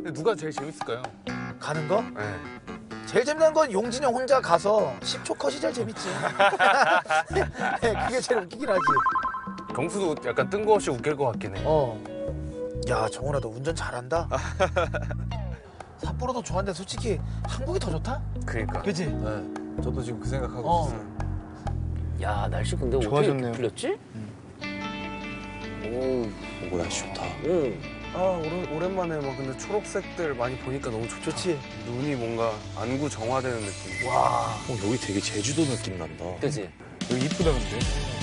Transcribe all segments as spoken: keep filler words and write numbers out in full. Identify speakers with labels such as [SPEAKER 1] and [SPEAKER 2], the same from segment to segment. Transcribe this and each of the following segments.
[SPEAKER 1] 근데 누가 제일 재밌을까요?
[SPEAKER 2] 가는 거?
[SPEAKER 1] 네.
[SPEAKER 2] 제일 재밌는 건 용진이 형 혼자 가서 십 초 컷이 제일 재밌지. 네, 그게 제일 웃기긴 하지.
[SPEAKER 1] 경수도 약간 뜬금없이 웃길 것 같긴 해.
[SPEAKER 2] 어. 야, 정훈아, 너 운전 잘한다. 삿포로도 좋아하는데 솔직히 한국이 더 좋다?
[SPEAKER 1] 그러니까.
[SPEAKER 2] 그지?
[SPEAKER 3] 네, 저도 지금 그 생각하고
[SPEAKER 2] 어.
[SPEAKER 3] 있어요.
[SPEAKER 4] 야 날씨 근데 어떻게
[SPEAKER 3] 좋아졌네요.
[SPEAKER 4] 이렇게 풀렸지?
[SPEAKER 3] 오, 날씨 좋다.
[SPEAKER 4] 응.
[SPEAKER 1] 아 오랜, 오랜만에 막 근데 초록색들 많이 보니까 너무 좋, 좋지? 눈이 뭔가 안구 정화되는 느낌.
[SPEAKER 2] 와.
[SPEAKER 3] 어, 여기 되게 제주도 느낌 난다.
[SPEAKER 4] 그지?
[SPEAKER 3] 여기 이쁘다 근데.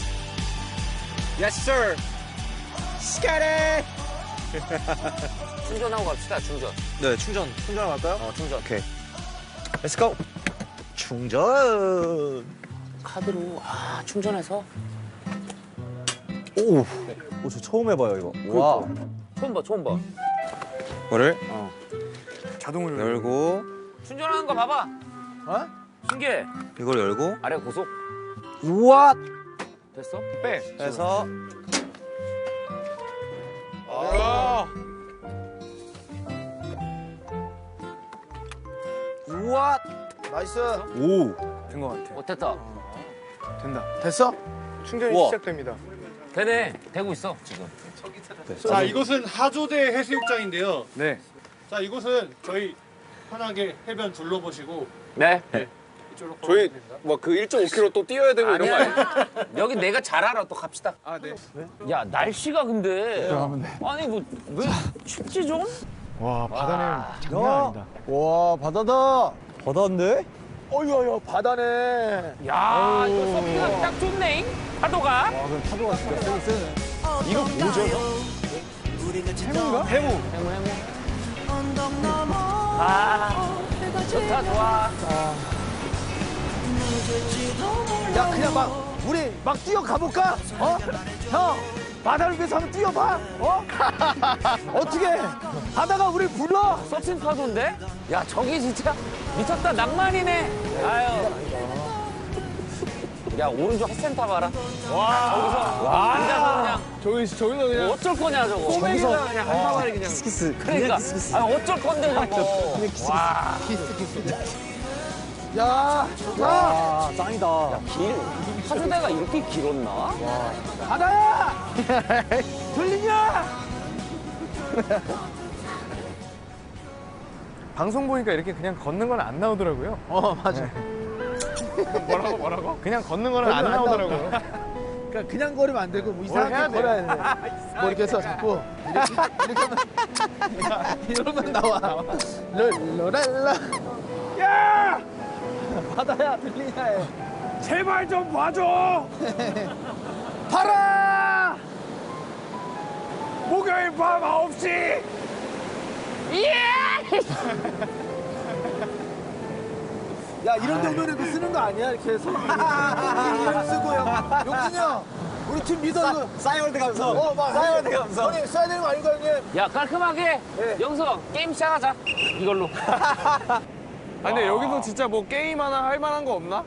[SPEAKER 1] Yes sir. 스카레.
[SPEAKER 4] 충전하고 갑시다 충전.
[SPEAKER 3] 네, 충전. 충전 갈까요?
[SPEAKER 4] 어 충전.
[SPEAKER 3] 오케이. Let's go. 충전.
[SPEAKER 4] 카드로 아 충전해서.
[SPEAKER 3] 오, 오, 저 처음 해봐요 이거. 와.
[SPEAKER 4] 처음 봐 처음 봐.
[SPEAKER 3] 이거를
[SPEAKER 4] 어.
[SPEAKER 3] 자동으로 열고
[SPEAKER 4] 충전하는 거 봐봐.
[SPEAKER 2] 어?
[SPEAKER 4] 신기해.
[SPEAKER 3] 이걸 열고
[SPEAKER 4] 아래 고속.
[SPEAKER 3] 우와.
[SPEAKER 4] 됐어?
[SPEAKER 1] 빼.
[SPEAKER 3] 해서
[SPEAKER 1] 아.
[SPEAKER 3] 우와.
[SPEAKER 2] 나이스.
[SPEAKER 3] 오, 된 것 같아.
[SPEAKER 4] 어 됐다.
[SPEAKER 3] 된다.
[SPEAKER 2] 됐어?
[SPEAKER 5] 충전이
[SPEAKER 3] 우와.
[SPEAKER 5] 시작됩니다.
[SPEAKER 4] 되네. 되고 있어 지금.
[SPEAKER 5] 자, 이곳은 하조대 해수욕장인데요.
[SPEAKER 3] 네.
[SPEAKER 5] 자, 이곳은 저희 편하게 해변 둘러보시고
[SPEAKER 4] 네.
[SPEAKER 5] 이쪽으로
[SPEAKER 1] 저희
[SPEAKER 5] 걸어가면 됩니다.
[SPEAKER 1] 뭐 그 일 점 오 킬로미터 또 뛰어야 되고 이런 거 아니에요?
[SPEAKER 4] 여기 내가 잘 알아. 또 갑시다.
[SPEAKER 1] 아 네.
[SPEAKER 4] 야 날씨가 근데 아니 뭐 왜 춥지 좀?
[SPEAKER 5] 와, 바다는 장난 아니다.
[SPEAKER 3] 와, 바다다. 바다인데?
[SPEAKER 2] 어이야, 바다네.
[SPEAKER 4] 야 이거 서핑하기 딱 좋네. 파도가.
[SPEAKER 3] 와, 그럼 파도가 진짜 세긴 세네.
[SPEAKER 4] 이거 뭐죠?
[SPEAKER 3] 해무인가? 해무.
[SPEAKER 4] 해무 해무. 아 좋다 좋아.
[SPEAKER 2] 야, 그냥 막 우리 막 뛰어 가볼까? 어? 형, 바다를 위해서 한번 뛰어봐. 어? 어떻게? 바다가 우리 불러?
[SPEAKER 4] 서핑 파도인데? 야 저기 진짜 미쳤다 낭만이네. 아유. 야 오른쪽 핫센터 봐라. 와 저기서 앉아서 그냥
[SPEAKER 1] 저기 저기서 그냥
[SPEAKER 4] 어쩔 거냐 저거.
[SPEAKER 1] 꼬맹이가 그냥 한 사발이 그냥.
[SPEAKER 3] 키스.
[SPEAKER 4] 그러니까 아 어쩔 건데 저거. 와.
[SPEAKER 2] 야, 좋다.
[SPEAKER 3] 와, 짱이다.
[SPEAKER 4] 길 하조대가 이렇게 길었나?
[SPEAKER 2] 바다야! 들리냐?
[SPEAKER 5] 방송 보니까 이렇게 그냥 걷는 건 안 나오더라고요.
[SPEAKER 2] 어, 맞아.
[SPEAKER 5] 뭐라고 뭐라고? 그냥 걷는 거는 안
[SPEAKER 2] 걷는 안
[SPEAKER 5] 나오더라고요.
[SPEAKER 2] 그러니까 그냥 걸으면 안 되고 뭐 이상하게 걸어야 돼. 뭐 이렇게 해서 자꾸 이렇게, 이렇게 하면 이러면 나와. 롤롤랄라. 야! 바다야, 들리냐 해.
[SPEAKER 5] 제발 좀 봐줘.
[SPEAKER 2] 봐라!
[SPEAKER 5] 목요일 밤 아홉 시.
[SPEAKER 2] 야, 이런 정도는 그 쓰는 거 아니야? 이렇게 해서. 이름 쓰고요. 용진이 형, 우리 팀 리더 이거.
[SPEAKER 3] 싸이월드 감성.
[SPEAKER 2] 어, 막.
[SPEAKER 3] 싸이월드 감성.
[SPEAKER 2] 형님, 써야 되는 거 아닌가, 형님?
[SPEAKER 4] 야 깔끔하게 영서 게임 시작하자 이걸로.
[SPEAKER 1] 아 근데 여기서 진짜 뭐 게임 하나 할 만한 거 없나?